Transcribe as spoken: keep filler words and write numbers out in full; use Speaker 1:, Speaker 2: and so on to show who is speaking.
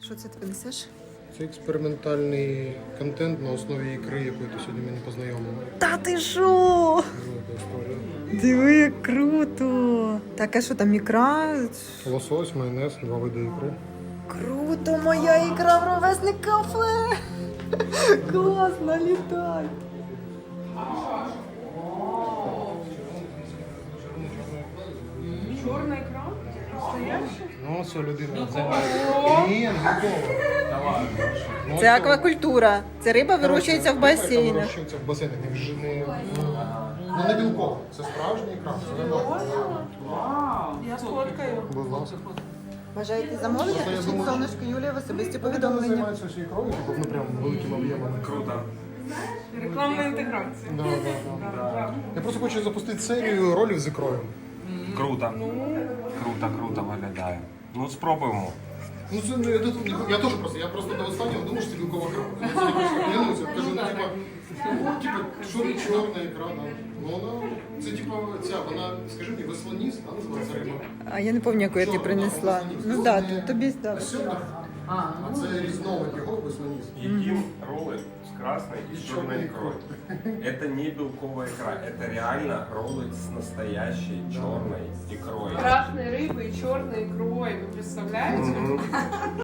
Speaker 1: Що це ти принесеш?
Speaker 2: Це експериментальний контент на основі ікри, якою ти сьогодні мене познайомила.
Speaker 1: Та ти що?
Speaker 2: Велика історія.
Speaker 1: Диви, як круто! Так, а що там ікра?
Speaker 2: Лосось, майонез, два види ікри.
Speaker 1: Круто, моя ікра в ровесник кафе! Класно, літай!
Speaker 3: Чорна ікра? Настояща?
Speaker 2: Ну, все, людина займається. Ні, не готова. Ну,
Speaker 1: Це аквакультура. Це риба вирощується в басейнах.
Speaker 2: Вирощується в басейнах. Не, вже не, ну, не білково. Це справжня ікра. Це нормально.
Speaker 3: Вау! Я сфоткаю.
Speaker 2: Будь ласка.
Speaker 1: Бажаєте замовлення?
Speaker 2: Просто я
Speaker 1: Пишіть
Speaker 2: думав,
Speaker 1: сонечко Юлія в особисті
Speaker 2: Вони
Speaker 1: повідомлення.
Speaker 2: займаються всією ікрою, типу, ну прям великим об'ємом.
Speaker 4: Круто.
Speaker 3: Рекламна інтеграція.
Speaker 2: Да, да, да. Я просто хочу запустити серію ролів з ікрою.
Speaker 4: Круто. Круто, круто виглядає. Ну, спробуємо.
Speaker 2: Ну це не я, я теж просто, я просто до останнього думав, що це білкова крапка. Це не просто клянуся. Кажу, ну типа, ну, типа, що не чорна ікра, да. Ну вона, це типа ця, вона, скажи мені, веслоніс, да, називається риба.
Speaker 1: А я не пам'ятаю, яку я ти принесла. Ну так, да, тобі здав.
Speaker 2: Сьогодні, а це різновид його веслоніс.
Speaker 4: Едим роллы с красной и с черной икрой. Это не белковая икра, это реально роллы с настоящей черной икрой.
Speaker 3: Красной рыбой и черной икрой. Вы представляете?
Speaker 4: Мгм.